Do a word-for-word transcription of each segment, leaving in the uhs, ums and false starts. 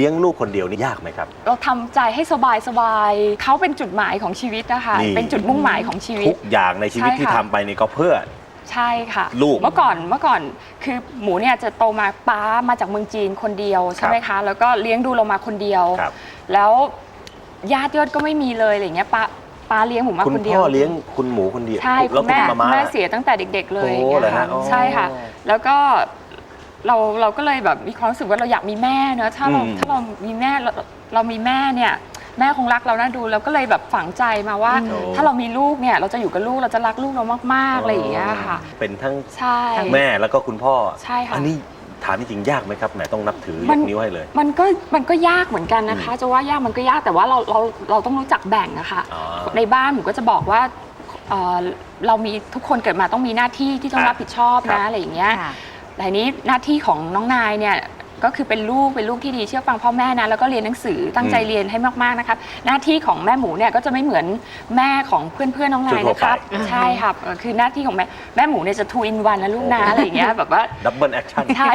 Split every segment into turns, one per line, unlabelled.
ลี้ยงลูกคนเดียวนี่ยากไหมครับ
เราทำใจให้สบายสบายเขาเป็นจุดหมายของชีวิตนะคะเป็นจุดมุ่งหมายของชีวิต
ทุกอย่างในชีวิตที่ทำไปนี่ก็เพื่อ
ใช่ค่ะ
ลูก
เมื่อก่อนเมื่อก่อนคือหมูเนี่ยจะโตมาป้ามาจากเมืองจีนคนเดียวใช่ไหมคะแล้วก็เลี้ยงดูเรามาคนเดียวแล้วญาติยอดก็ไม่มีเลยอะไรเงี้ยป้าป้าเลี้ยงหมูมาคนเดียว
คุณพ่อเลี้ยงคุณหมูคนเดียว
ใช่คุณแม่แม่เสียตั้งแต่เด็กๆเลยใช่ค่ะแล้วก็เราเราก็เลยแบบมีความรู้สึกว่าเราอยากมีแม่เนอะถ้าเราถ้าเรามีแม่เราเรามีแม่เนี่ยแม่คงรักเราน่าดูเราก็เลยแบบฝังใจมาว่าถ้าเรามีลูกเนี่ยเราจะอยู่กับลูกเราจะรักลูกเรามากๆอะไรอย่างเงี้ยค่ะ
เป็นทั้งแม่แล้วก็คุณพ่อ
ใช่ค่ะ
อันนี้ถามจริงยากไหมครับแหมต้องนับถือยกนิ้วให้เลย
มันก็มันก็ยากเหมือนกันนะคะจะว่ายากมันก็ยากแต่ว่าเราเราเราต้องรู้จักแบ่งอะค่ะในบ้านหนูก็จะบอกว่าเรามีทุกคนเกิดมาต้องมีหน้าที่ที่ต้องรับผิดชอบนะอะไรอย่างเงี้ยแต่นี้หน้าที่ของน้องนายเนี่ยก็คือเป็นลูกเป็นลูกที่ดีเชื่อฟังพ่อแม่นะแล้วก็เรียนหนังสือตั้งใจเรียนให้มากๆนะครับหน้าที่ของแม่หมูเนี่ยก็จะไม่เหมือนแม่ของเพื่อนๆน้องนายนะครับใช่ครับคือหน้าที่ของแม่แม่หมูเนี่ยจะ two in one นะลูกนะอะไรอย่างเงี้ยแบบว่า
ดับเบิลแอคชั่น
ใช่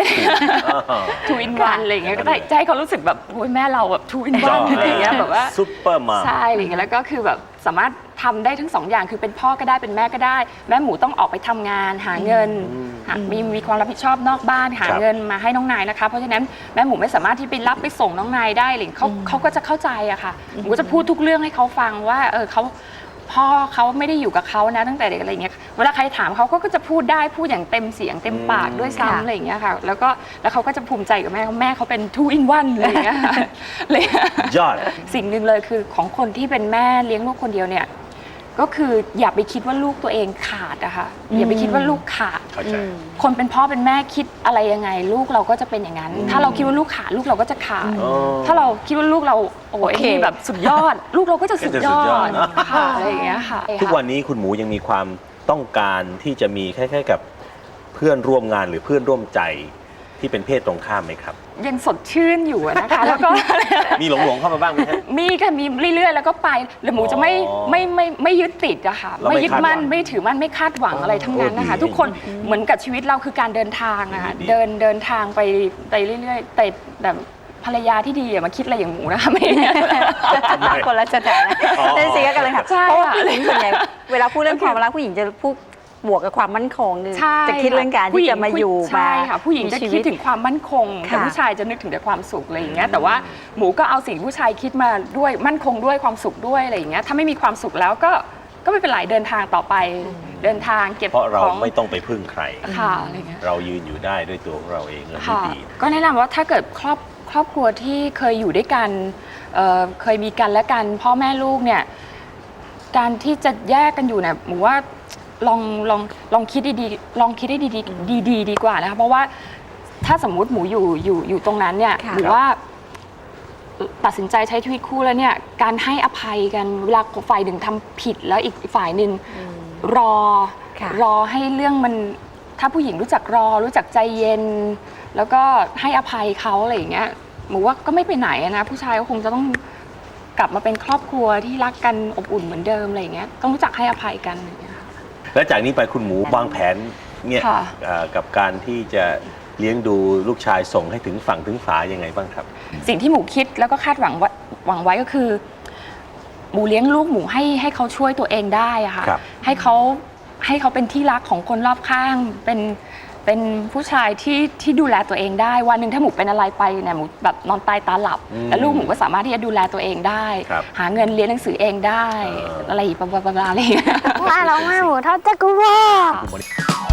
two in one อะไรอย่างเงี้ยก็ได้ใจเขารู้สึกแบบโอ้ยแม่เราแบบ two in one อะไรอย่างเงี้ยแบบว่า
ซุปเปอร์มา
ใช่อะไรอย่างเงี้ยแล้วก็คือแบบสามารถทำได้ทั้งสองอย่างคือเป็นพ่อก็ได้เป็นแม่ก็ได้แม่หมูต้องออกไปทำงานหาเงินมีมีความรับผิดชอบนอกบ้านหาเงินมาให้น้องนายนะคะเพราะฉะนั้นแม่หมูไม่สามารถที่ไปรับไปส่งน้องนายได้เลยเขาเขาก็จะเข้าใจอะค่ะหมูก็จะพูดทุกเรื่องให้เขาฟังว่าเออเขาพ่อเขาไม่ได้อยู่กับเขานะตั้งแต่เด็กอะไรเงี้ยเวลาใครถามเขาก็จะพูดได้พูดอย่างเต็มเสียงเต็มปากด้วยซ้ำอะไรอย่างเงี้ยค่ะแล้วก็แล้วเขาก็จะภูมิใจกับแม่แม่เขาเป็น two in one อะไรอย่างเงี้ยเลย
ยอด
สิ่งหนึ่งเลยคือของคนที่เป็นแม่เลี้ยงลูกคนเดียวเนี่ยก็คืออย่าไปคิดว่าลูกตัวเองขาดอะค่ะอย่าไปคิดว่าลูกขาดคนเป็นพ่อเป็นแม่คิดอะไรยังไงลูกเราก็จะเป็นอย่างนั้นถ้าเราคิดว่าลูกขาดลูกเราก็จะขาดถ้าเราคิดว่าลูกเราโอ้ยแบบสุดยอดลูกเราก็จะสุดยอดค่ะอะไรอย่างเงี้ยค่ะ
ทุกวันนี้คุณหมูยังมีความต้องการที่จะมีคล้ายๆกับเพื่อนร่วมงานหรือเพื่อนร่วมใจที่เป็นเพศตรงข้ามไหมครับ
ยังสดชื่นอยู่นะคะแล้วก็
มีหลงๆเข้ามาบ้างไหมครับ
มีค่ะมีเรื่อยๆแล้วก็ไปแล้วหมูจะไม่ไม่ไม่ไม่ยึดติดอะค่ะไม่ยึดมั่นไม่ถือมั่นไม่คาดหวังอะไรทั้งนั้นนะคะทุกคนเหมือนกับชีวิตเราคือการเดินทางนะคะเดินเดินทางไปไปเรื่อยๆแต่แบบภรรยาที่ดีอย่ามาคิดอะไรอย่างหมูนะคะไม่
คนละสถานะเล่นซีกันเลยค่ะเพราะว่าผู้หญิงส่วนใหญ่เวลาพูดเรื่องความรักผู้หญิงจะพูดบวกกับความมั่นคงจะคิดเรื่องการที่จะมาอยู่
ใช่ค่ะผู้หญิงจะคิดถึงความมั่นคงแต่ผู้ชายจะนึกถึงแต่ความสุขอะไรอย่างเงี้ยแต่ว่าหมูก็เอาสิ่งผู้ชายคิดมาด้วยมั่นคงด้วยความสุขด้วยอะไรอย่างเงี้ยถ้าไม่มีความสุขแล้วก็ก็ไม่เป็นไรเดินทางต่อไปเดินทางเก็บ
เพราะเราไม่ต้องไปพึ่งใคร
ค่ะอะไรเงี้ย
เรายืนอยู่ได้ด้วยตัวของเราเองและดี
ก็แนะนำว่าถ้าเกิดครอบครอบครัวที่เคยอยู่ด้วยกันเคยมีกันและกันพ่อแม่ลูกเนี่ยการที่จะแยกกันอยู่เนี่ยหมูว่าลองลองลองคิดดีๆลองคิดให้ดีๆดีๆดีกว่านะคะเพราะว่าถ้าสมมุติหมูอยู่อยู่อยู่ตรงนั้นเนี่ยหรือว่าตัดสินใจใช้ชีวิตคู่แล้วเนี่ยการให้อภัยกันเวลาฝ่ายหนึ่งทำผิดแล้วอีกฝ่ายหนึ่งรอรอให้เรื่องมันถ้าผู้หญิงรู้จักรอรู้จักใจเย็นแล้วก็ให้อภัยเขาอะไรอย่างเงี้ยหมูว่าก็ไม่ไปไหนนะผู้ชายก็คงจะต้องกลับมาเป็นครอบครัวที่รักกันอบอุ่นเหมือนเดิมอะไรอย่างเงี้ยต้องรู้จักให้อภัยกันอย่างเงี้ย
และจากนี้ไปคุณหมูวางแผนเนี่ยกับการที่จะเลี้ยงดูลูกชายส่งให้ถึงฝั่งถึงฝายังไงบ้างครับ
สิ่งที่หมูคิดแล้วก็คาดหวังหวังไว้ก็คือหมูเลี้ยงลูกหมูให้ให้เขาช่วยตัวเองได้อะค่ะให้เขาให้เขาเป็นที่รักของคนรอบข้างเป็นเป็นผู้ชายที่ที่ดูแลตัวเองได้วันหนึ่งถ้าหมูเป็นอะไรไปเนี่ยหมูแบบนอนตายตาหลับแล้วลูกหมูก็สามารถที่จะดูแลตัวเองได้หาเงินเรียนหนังสือเองได้อะไรประมาณอะไร
ว่าเราไม่หมูเท่าเจ้ากูว่า